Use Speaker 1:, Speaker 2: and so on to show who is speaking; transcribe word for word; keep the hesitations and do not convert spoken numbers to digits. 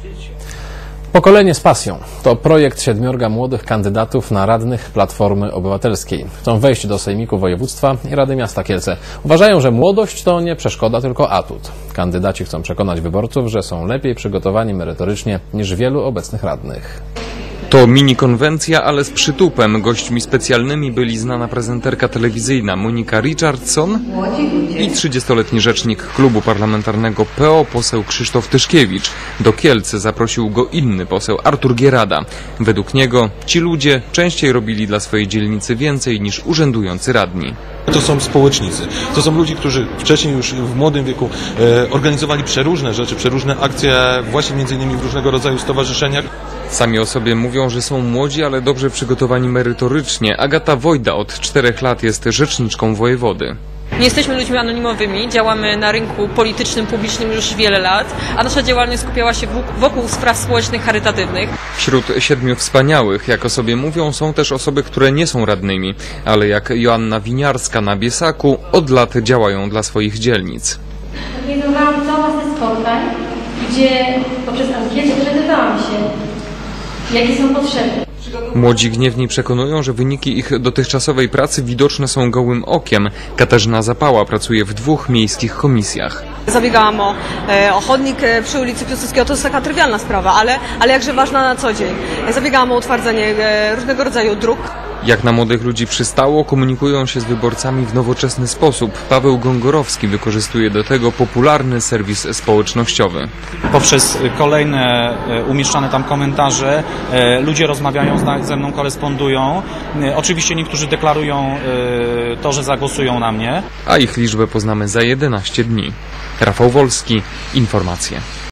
Speaker 1: Pokolenie z pasją to projekt siedmiorga młodych kandydatów na radnych Platformy Obywatelskiej. Chcą wejść do Sejmiku Województwa i Rady Miasta Kielce. Uważają, że młodość to nie przeszkoda, tylko atut. Kandydaci chcą przekonać wyborców, że są lepiej przygotowani merytorycznie niż wielu obecnych radnych.
Speaker 2: To mini konwencja, ale z przytupem. Gośćmi specjalnymi byli znana prezenterka telewizyjna Monika Richardson i trzydziestoletni rzecznik klubu parlamentarnego P O, poseł Krzysztof Tyszkiewicz. Do Kielce zaprosił go inny poseł, Artur Gierada. Według niego ci ludzie częściej robili dla swojej dzielnicy więcej niż urzędujący radni.
Speaker 3: To są społecznicy. To są ludzie, którzy wcześniej już w młodym wieku e, organizowali przeróżne rzeczy, przeróżne akcje właśnie między innymi w różnego rodzaju stowarzyszeniach.
Speaker 2: Sami o sobie mówią, że są młodzi, ale dobrze przygotowani merytorycznie. Agata Wojda od czterech lat jest rzeczniczką wojewody.
Speaker 4: Nie jesteśmy ludźmi anonimowymi, działamy na rynku politycznym, publicznym już wiele lat, a nasza działalność skupiała się wokół spraw społecznych, charytatywnych.
Speaker 2: Wśród siedmiu wspaniałych, jak o sobie mówią, są też osoby, które nie są radnymi, ale jak Joanna Winiarska na Biesaku od lat działają dla swoich dzielnic.
Speaker 5: Organizowałam całą masę spotkań, gdzie poprzez ankietę dowiadywałam się, jakie są potrzeby.
Speaker 2: Młodzi gniewni przekonują, że wyniki ich dotychczasowej pracy widoczne są gołym okiem. Katarzyna Zapała pracuje w dwóch miejskich komisjach.
Speaker 4: Zabiegałam o, o chodnik przy ulicy Piłsudskiego, to jest taka trywialna sprawa, ale, ale jakże ważna na co dzień. Zabiegałam o utwardzenie różnego rodzaju dróg.
Speaker 2: Jak na młodych ludzi przystało, komunikują się z wyborcami w nowoczesny sposób. Paweł Gongorowski wykorzystuje do tego popularny serwis społecznościowy.
Speaker 6: Poprzez kolejne umieszczane tam komentarze ludzie rozmawiają ze mną, korespondują. Oczywiście niektórzy deklarują to, że zagłosują na mnie.
Speaker 2: A ich liczbę poznamy za jedenaście dni. Rafał Wolski, informacje.